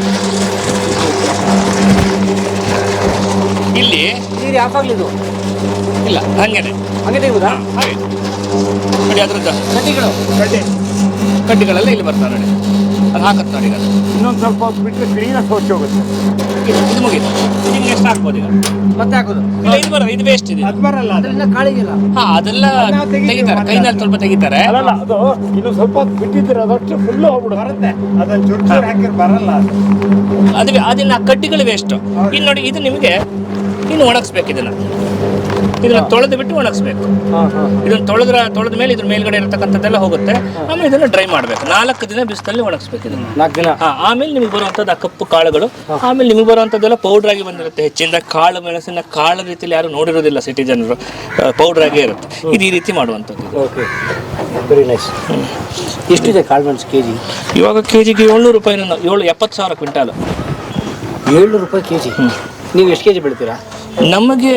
[SPEAKER 1] ಇಲ್ಲಿ
[SPEAKER 2] ನೀರು ಯಾಕಾಗ್ಲಿ ಇದು
[SPEAKER 1] ಇಲ್ಲ ಹಂಗೇನೆ
[SPEAKER 2] ಹಂಗೆ ತೆಗುದಾ
[SPEAKER 1] ಹಾಗೆ ನೋಡಿ ಅದ್ರದ್ದು
[SPEAKER 2] ಕಡ್ಡಿಗಳು
[SPEAKER 4] ಕಡ್ಡಿ
[SPEAKER 1] ಕಡ್ಡಿಗಳೆಲ್ಲ ಇಲ್ಲಿ ಬರ್ತಾರೆ ನೋಡಿ ಅದು ಹಾಕತ್ತೆ ನೋಡಿ ಈಗ ಅದು.
[SPEAKER 4] ಇನ್ನೊಂದು ಸ್ವಲ್ಪ ಹೊತ್ತು ಬಿಟ್ಟರೆ ಕ್ಲೀನಾಗಿ ಸ್ವಚ್ಛ ಹೋಗುತ್ತೆ.
[SPEAKER 1] ಇದು ಇದು ಮುಗೀತು ನಿಮ್ಗೆ ಎಷ್ಟು ಹಾಕ್ಬೋದು ಈಗ
[SPEAKER 2] ಮತ್ತೆ ಹಾಕೋದು
[SPEAKER 1] ಇಲ್ಲ ಇದು ಬರೋದು ಇದು ವೇಸ್ಟ್ ಇದೆ
[SPEAKER 4] ಅದು ಬರಲ್ಲ ಅದು.
[SPEAKER 2] ಅದರಿಂದ ಕಾಳಿಗಿಲ್ಲ.
[SPEAKER 1] ಹಾ ಅದೆಲ್ಲ ತೆಗಿತಾರೆ ಕೈನಲ್ಲಿ ಸ್ವಲ್ಪ ತೆಗಿತಾರೆ
[SPEAKER 4] ಅಲ್ಲಲ್ಲ ಅದು ಇನ್ನು ಸ್ವಲ್ಪ ಹೊತ್ತು ಬಿಟ್ಟಿದ್ರೆ ಅದಷ್ಟು ಫುಲ್ಲು ಹೋಗ್ಬಿಡು ಬರುತ್ತೆ. ಅದನ್ನು ಚೂರು ಚೂರು ಹಾಕಿದ್ರೆ ಬರಲ್ಲ ಅದು.
[SPEAKER 1] ಅದು ಅದನ್ನ ಆ ಕಡ್ಡಿಗಳು ವೇಸ್ಟ್ ಇನ್ನು ನೋಡಿ ಇದು ನಿಮಗೆ ಇನ್ನು ಒಣಗಿಸ್ಬೇಕು ಇದನ್ನ ಇದನ್ನ ತೊಳೆದು ಬಿಟ್ಟು ಒಣಗಿಸ್ಬೇಕು ಇದನ್ನ ತೊಳೆದ್ರ ತೊಳೆದ ಮೇಲೆ ಇದ್ರ ಮೇಲ್ಗಡೆ ಇರತಕ್ಕಂಥದ್ದೆಲ್ಲ ಹೋಗುತ್ತೆ ಆಮೇಲೆ ಇದನ್ನ ಡ್ರೈ ಮಾಡಬೇಕು ನಾಲ್ಕು ದಿನ ಬಿಸಿಲಲ್ಲಿ ಒಣಗಿಸ್ಬೇಕು ಇದನ್ನ
[SPEAKER 2] ನಾಲ್ಕು ದಿನ
[SPEAKER 1] ಹಾ ಆಮೇಲೆ ನಿಮ್ಗೆ ಬರುವಂಥದ್ದು ಆ ಕಪ್ಪು ಕಾಳುಗಳು ಆಮೇಲೆ ನಿಮ್ಗೆ ಬರುವಂಥದ್ದೆಲ್ಲ ಪೌಡ್ರ್ ಆಗಿ ಬಂದಿರುತ್ತೆ ಹೆಚ್ಚಿನ ಕಾಳು ಮೆಣಸಿನ ಕಾಳು ರೀತಿಯಲ್ಲಿ ಯಾರು ನೋಡಿರೋದಿಲ್ಲ ಸಿಟಿ ಜನರು ಪೌಡ್ರ್ ಆಗೇ ಇರುತ್ತೆ ಇದು ಈ ರೀತಿ ಮಾಡುವಂಥದ್ದು
[SPEAKER 2] ಓಕೆ ವೆರಿ ನೈಸ್. ಎಷ್ಟಿದೆ ಕಾಳುಮೆಣಸು ಕೆ ಜಿ?
[SPEAKER 1] ಇವಾಗ ಕೆ ಜಿಗೆ ಏಳ್ನೂರು ರೂಪಾಯಿನ ಏಳು ಎಪ್ಪತ್ತು ಸಾವಿರ ಕ್ವಿಂಟಾಲು
[SPEAKER 2] ಏಳ್ನೂರು ರೂಪಾಯಿ ಕೆ ಜಿ. ನೀವು ಎಷ್ಟು ಕೆ ಜಿ ಬೆಳಿತೀರಾ?
[SPEAKER 1] ನಮಗೆ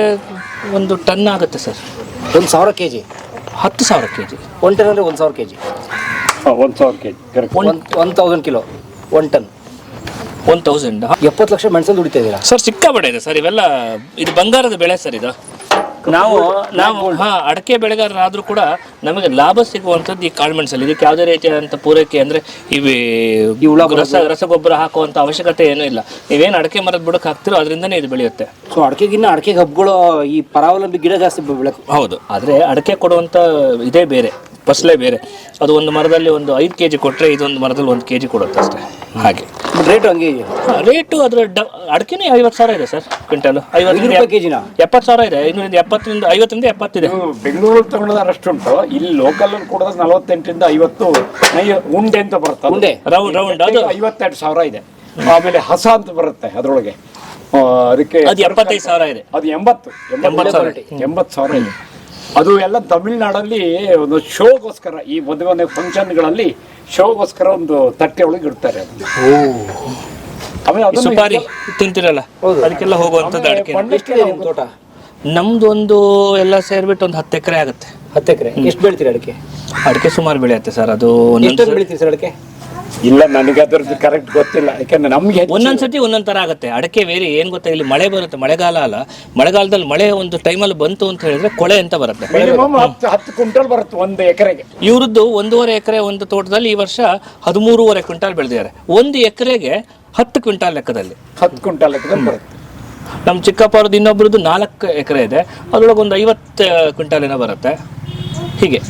[SPEAKER 1] ಒಂದು ಟನ್ ಆಗುತ್ತೆ ಸರ್
[SPEAKER 2] ಒಂದು ಸಾವಿರ ಕೆ ಜಿ.
[SPEAKER 1] ಹತ್ತು ಸಾವಿರ ಕೆ ಜಿ
[SPEAKER 2] ಒನ್ ಟನ್ ಅಂದರೆ ಒಂದು ಸಾವಿರ ಕೆ ಜಿ.
[SPEAKER 4] ಹಾಂ ಒಂದು ಸಾವಿರ K G correct.
[SPEAKER 2] One one thousand kilo one ton.
[SPEAKER 1] One thousand
[SPEAKER 2] ಎಪ್ಪತ್ತು ಲಕ್ಷ ಮೆಣಸಲ್ಲಿ ದುಡಿತಾ ಇದ್ದೀರಾ
[SPEAKER 1] ಸರ್ ಸಿಕ್ಕಾಪಟ್ಟೆ ಇದೆ ಸರ್ ಇವೆಲ್ಲ ಇದು ಬಂಗಾರದ ಬೆಳೆ ಸರ್ ಇದು ನಾವು ನಾವು ಹಾ ಅಡಕೆ ಬೆಳೆಗಾರರಾದ್ರೂ ಕೂಡ ನಮಗೆ ಲಾಭ ಸಿಗುವಂಥದ್ದು ಈ ಕಾಳುಮೆಣಸಲ್ಲಿ ಇದಕ್ಕೆ ಯಾವುದೇ ರೀತಿಯಾದಂಥ ಪೂರೈಕೆ ಅಂದರೆ ಇವಿ ರಸ ರಸಗೊಬ್ಬರ ಹಾಕುವಂಥ ಅವಶ್ಯಕತೆ ಏನೂ ಇಲ್ಲ ನೀವೇನು ಅಡಕೆ ಮರದ ಬುಡಕ್ಕೆ ಹಾಕ್ತಿರೋ ಅದರಿಂದನೇ ಇದು ಬೆಳೆಯುತ್ತೆ.
[SPEAKER 2] ಸೊ ಅಡಕೆಗಿನ್ನ ಅಡಕೆ ಹಬ್ಬಗಳು ಈ ಪರಾವಲಂಬಿ ಗಿಡ ಜಾಸ್ತಿ ಬೆಳಕು.
[SPEAKER 1] ಹೌದು ಆದರೆ ಅಡಕೆ ಕೊಡುವಂಥ ಇದೇ ಬೇರೆ ಫಸಲೇ ಬೇರೆ ಅದು ಒಂದು ಮರದಲ್ಲಿ ಒಂದು ಐದು ಕೆ ಜಿ ಕೊಟ್ಟರೆ ಇದೊಂದು ಮರದಲ್ಲಿ ಒಂದು ಕೆ ಜಿ ಕೊಡುತ್ತೆ ಅಷ್ಟೇ ಹಾಗೆ
[SPEAKER 2] ರೇಟು ಹಂಗೆ ಇದೆ.
[SPEAKER 1] ರೇಟು ಅದರ ಡ ಅಡಕೆನೇ ಐವತ್ತು ಸಾವಿರ ಇದೆ ಸರ್ ಕ್ವಿಂಟಲ್ ಐವತ್ತು
[SPEAKER 2] ರೂಪಾಯಿ ಕೆ ಜಿನ
[SPEAKER 1] ಎಪ್ಪತ್ತು ಸಾವಿರ ಇದೆ ಇನ್ನೂರಿಂದ ಎಪ್ಪತ್ತರಿಂದ ಐವತ್ತರಿಂದ ಎಪ್ಪತ್ತಿದೆ.
[SPEAKER 4] ಬೆಂಗಳೂರಲ್ಲಿ ತಗೊಂಡ್ರೆ ಅಷ್ಟುಂಟು ಇಲ್ಲಿ ಲೋಕಲ್ ಕೊಡೋದು ನಲವತ್ತೆಂಟರಿಂದ ಐವತ್ತು ನೈ ಉಂಡೆ ಅಂತ ಬರುತ್ತೆ
[SPEAKER 2] ಉಂಡೆ
[SPEAKER 1] ರೌಂಡ್ ರೌಂಡ್ ಅದು
[SPEAKER 4] ಐವತ್ತೆರಡು ಸಾವಿರ ಇದೆ. ಆಮೇಲೆ ಹಸ ಅಂತ ಬರುತ್ತೆ ಅದರೊಳಗೆ ಅದಕ್ಕೆ
[SPEAKER 1] ಅದು ಎಪ್ಪತ್ತೈದು ಸಾವಿರ ಇದೆ
[SPEAKER 4] ಅದು ಎಂಬತ್ತು
[SPEAKER 1] ಎಂಬತ್ತು ಸಾವಿರ
[SPEAKER 4] ಎಂಬತ್ತು ಸಾವಿರ ಇದೆ. ಅದು ಎಲ್ಲ ತಮಿಳ್ನಾಡಲ್ಲಿ ಒಂದು ಶೋಗೋಸ್ಕರ ಈ ಮದುವೆ ಮನೆ ಫಂಕ್ಷನ್ಗಳಲ್ಲಿ ಶೋಗೋಸ್ಕರ ಒಂದು ತಟ್ಟೆ ಒಳಗೆ ಇಡ್ತಾರೆ ಅದನ್ನ. ಆಮೇಲೆ ಅದನ್ನ
[SPEAKER 1] ಸುಪಾರಿ ತಿಂತಿರಲ್ಲ ಅದಕ್ಕೆಲ್ಲ ಹೋಗುವಂಥದ್ದು ಅಡಕೆ.
[SPEAKER 2] ಎಷ್ಟಿದೆ ನಿಮ್ಮ ತೋಟ?
[SPEAKER 1] ನಮ್ದು ಒಂದು ಎಲ್ಲ ಸೇರಿಬಿಟ್ಟು ಒಂದು ಹತ್ತು ಎಕರೆ ಆಗುತ್ತೆ.
[SPEAKER 2] ಹತ್ತು ಎಕರೆ ಎಷ್ಟು ಬೆಳಿತೀರಿ ಅಡಿಕೆ?
[SPEAKER 1] ಅಡಿಕೆ ಸುಮಾರು ಬೆಳೆಯುತ್ತೆ ಸರ್ ಅದು
[SPEAKER 2] ಎಷ್ಟು
[SPEAKER 1] ಒಂದೊಂದು
[SPEAKER 2] ಬೆಳಿತೀರಿ ಸರ್ ಅಡಿಕೆ?
[SPEAKER 4] ಇಲ್ಲ ನನಗೆ ಅದ್ರದ್ದು ಕರೆಕ್ಟ್ ಗೊತ್ತಿಲ್ಲ ಯಾಕಂದ್ರೆ ನಮ್ಗೆ
[SPEAKER 1] ಒಂದೊಂದ್ಸತಿ ಒಂದೊಂದ್ ತರ ಆಗುತ್ತೆ ಅಡಕೆ ಬೇರೆ ಏನ್ ಗೊತ್ತಾ ಇಲ್ಲಿ ಮಳೆ ಬರುತ್ತೆ ಮಳೆಗಾಲ ಅಲ್ಲ ಮಳೆಗಾಲದಲ್ಲಿ ಮಳೆ ಒಂದು ಟೈಮಲ್ಲಿ ಬಂತು ಅಂತ ಹೇಳಿದ್ರೆ ಕೊಳೆ ಅಂತ ಬರುತ್ತೆ.
[SPEAKER 4] ಮಿನಿಮಮ್ ಹತ್ತು ಹತ್ತು ಕ್ವಿಂಟಲ್ ಬರುತ್ತೆ ಒಂದು ಎಕರೆಗೆ.
[SPEAKER 1] ಇವ್ರದ್ದು ಒಂದೂವರೆ ಎಕರೆ ಒಂದು ತೋಟದಲ್ಲಿ ಈ ವರ್ಷ ಹದಿಮೂರುವರೆ ಕ್ವಿಂಟಾಲ್ ಬೆಳೆದಿದ್ದಾರೆ ಒಂದು ಎಕರೆಗೆ ಹತ್ತು ಕ್ವಿಂಟಾಲ್ ಲೆಕ್ಕದಲ್ಲಿ
[SPEAKER 4] ಹತ್ತು ಕ್ವಿಂಟಲ್ ಲೆಕ್ಕದಲ್ಲಿ ಬರುತ್ತೆ.
[SPEAKER 1] ನಮ್ಮ ಚಿಕ್ಕಪ್ಪ ಅವ್ರದ್ದು ಇನ್ನೊಬ್ರದ್ದು ನಾಲ್ಕು ಎಕರೆ ಇದೆ ಅದ್ರೊಳಗೆ ಒಂದು ಐವತ್ತು ಕ್ವಿಂಟಾಲ್ ಏನೋ ಬರುತ್ತೆ ಹೀಗೆ.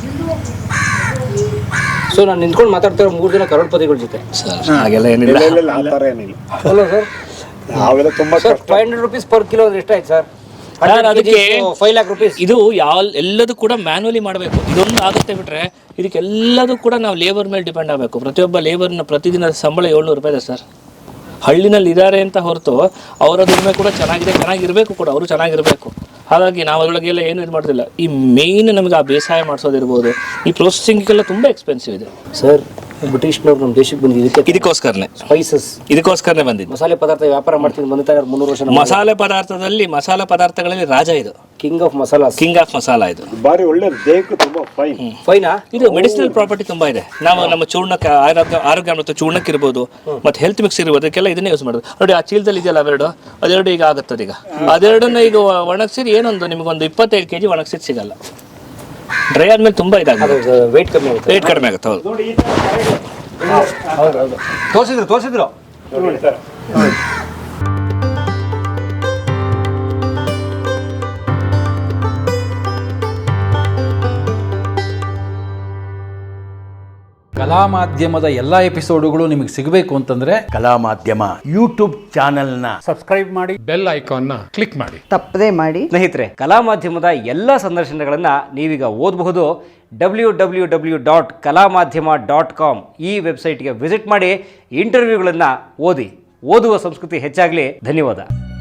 [SPEAKER 2] ಸೊ ನಾನು ನಿಂತ್ಕೊಂಡು ಮಾತಾಡ್ತಾ ಮೂರು ಜನ ಕರೋಡ್ಪತಿಗಳ ಜೊತೆ
[SPEAKER 1] ಹಾಗೆಲ್ಲ ಏನಿಲ್ಲ
[SPEAKER 4] ಇಲ್ಲ ಇಲ್ಲ ಆ ಥರ ಏನಿಲ್ಲ.
[SPEAKER 2] ಅಲ್ಲ ಸರ್
[SPEAKER 4] ನಾವೆಲ್ಲ ತುಂಬಾ
[SPEAKER 2] sir five hundred rupees per kilo ಅಂದ್ರೆ ಎಷ್ಟಾಯ್ತು ಸರ್?
[SPEAKER 1] ಅದಕ್ಕೆ
[SPEAKER 2] ಫೈವ್ ಲ್ಯಾಕ್ ರುಪೀಸ್.
[SPEAKER 1] ಇದು ಯಾವ ಎಲ್ಲದೂ ಕೂಡ ಮ್ಯಾನ್ಯಲಿ ಮಾಡಬೇಕು ಇದೊಂದು ಆಗುತ್ತೆ ಬಿಟ್ರೆ ಇದಕ್ಕೆಲ್ಲದೂ ಕೂಡ ನಾವು ಲೇಬರ್ ಮೇಲೆ ಡಿಪೆಂಡ್ ಆಗಬೇಕು. ಪ್ರತಿಯೊಬ್ಬ ಲೇಬರ್ನ ಪ್ರತಿದಿನದ ಸಂಬಳ ಏಳ್ನೂರು ರೂಪಾಯಿ ಇದೆ ಸರ್. ಹಳ್ಳಿನಲ್ಲಿ ಇದ್ದಾರೆ ಅಂತ ಹೊರತು ಅವರ ದುಡಿಮೆ ಕೂಡ ಚೆನ್ನಾಗಿದೆ ಚೆನ್ನಾಗಿರಬೇಕು ಕೂಡ ಅವರು ಚೆನ್ನಾಗಿರಬೇಕು. ಹಾಗಾಗಿ ನಾವು ಅದರೊಳಗೆಲ್ಲ ಏನು ಇದು ಮಾಡೋದಿಲ್ಲ. ಈ ಮೇನ್ ನಮಗೆ ಆ ಬೇಸಾಯ ಮಾಡಿಸೋದಿರ್ಬೋದು ಈ ಪ್ರೊಸೆಸಿಂಗ್ಗೆಲ್ಲ ತುಂಬ ಎಕ್ಸ್ಪೆನ್ಸಿವ್ ಇದೆ
[SPEAKER 2] ಸರ್. ಬ್ರಿಟಿಷ್ನವ್ರು ನಮ್ಮ ದೇಶಕ್ಕೆ ಬಂದಿದ್ದಕ್ಕೆ
[SPEAKER 1] ಇದಕ್ಕೋಸ್ಕರನೇ
[SPEAKER 2] ಸ್ಪೈಸಸ್
[SPEAKER 1] ಇದಕ್ಕೋಸ್ಕರನೇ ಬಂದಿದ್ದು.
[SPEAKER 2] ಮಸಾಲೆ ಪದಾರ್ಥ ವ್ಯಾಪಾರ ಮಾಡ್ತೀನಿ ಬಂದಿದ್ದಾರೆ ಮುನ್ನೂರು ವರ್ಷ.
[SPEAKER 1] ಮಸಾಲೆ ಪದಾರ್ಥದಲ್ಲಿ ಮಸಾಲೆ ಪದಾರ್ಥಗಳಲ್ಲಿ ರಾಜ ಇದು
[SPEAKER 2] king of masala
[SPEAKER 1] king of masala ಇದು
[SPEAKER 4] ಬಾರಿ ಒಳ್ಳೆ ದೇಹಕ್ಕೆ ತುಂಬಾ ಫೈನ್
[SPEAKER 2] ಫೈನಾ.
[SPEAKER 1] ಇದು ಮೆಡಿಸಿನಲ್ ಪ್ರಾಪರ್ಟಿ ತುಂಬಾ ಇದೆ. ನಾವು ನಮ್ಮ ಚೂರ್ಣಕ್ಕೆ ಆರೋಗ್ಯ ಆರೋಗ್ಯ ಮತ್ತು ಚೂರ್ಣಕ್ಕೆ ಇರ್ಬೋದು ಮತ್ತೆ ಹೆಲ್ತ್ ಮಿಕ್ಸ್ ಇರ್ಬೋದು ಅದಕ್ಕೆಲ್ಲ ಇದನ್ನೇ ಯೂಸ್ ಮಾಡೋದು. ನೋಡಿ ಆ ಚೀಲದಲ್ಲಿ ಇದೆಯಲ್ಲ ಅವೆರಡು ಅದೆರಡು ಈಗ ಆಗುತ್ತದೆ. ಈಗ ಅದೆರಡನ್ನ ಈಗ ಒಣಗಿಸಿರಿ ಏನೊಂದು ನಿಮಗೊಂದು ಇಪ್ಪತ್ತೈದು ಕೆಜಿ ಒಣಗಿಸಿದ್ ಸಿಗಲ್ಲ. ಡ್ರೈ ಆದ್ಮೇಲೆ ತುಂಬಾ ಇದಾಗುತ್ತೆ
[SPEAKER 2] ವೇಟ್ ಕಮ್ಮಿ ಆಗುತ್ತೆ
[SPEAKER 1] ರೇಟ್ ಕಡಿಮೆ ಆಗುತ್ತೆ. ಹೌದು
[SPEAKER 2] ಹೌದು ಹೌದು ತೋರಿಸಿದ್ರು ತೋರಿಸಿದ್ರು
[SPEAKER 6] ಕಲಾ ಮಾಧ್ಯಮದ ಎಲ್ಲಾ ಎಪಿಸೋಡುಗಳು ನಿಮಗೆ ಸಿಗಬೇಕು ಅಂತಂದ್ರೆ
[SPEAKER 7] ಕಲಾ ಮಾಧ್ಯಮ ಯೂಟ್ಯೂಬ್ ಚಾನೆಲ್ನ
[SPEAKER 8] ಸಬ್ಸ್ಕ್ರೈಬ್ ಮಾಡಿ ಬೆಲ್ ಐಕಾನ್ನ ಕ್ಲಿಕ್ ಮಾಡಿ
[SPEAKER 9] ತಪ್ಪದೇ ಮಾಡಿ.
[SPEAKER 2] ಸ್ನೇಹಿತರೆ, ಕಲಾ ಮಾಧ್ಯಮದ ಎಲ್ಲ ಸಂದರ್ಶನಗಳನ್ನ ನೀವೀಗ ಓದಬಹುದು. ಡಬ್ಲ್ಯೂ ಡಬ್ಲ್ಯೂ ಡಬ್ಲ್ಯೂ ಡಾಟ್ ಕಲಾ ಮಾಧ್ಯಮ ಡಾಟ್ ಕಾಮ್ ಈ ವೆಬ್ಸೈಟ್ಗೆ ವಿಸಿಟ್ ಮಾಡಿ ಇಂಟರ್ವ್ಯೂಗಳನ್ನು ಓದಿ. ಓದುವ ಸಂಸ್ಕೃತಿ ಹೆಚ್ಚಾಗಲಿ. ಧನ್ಯವಾದ.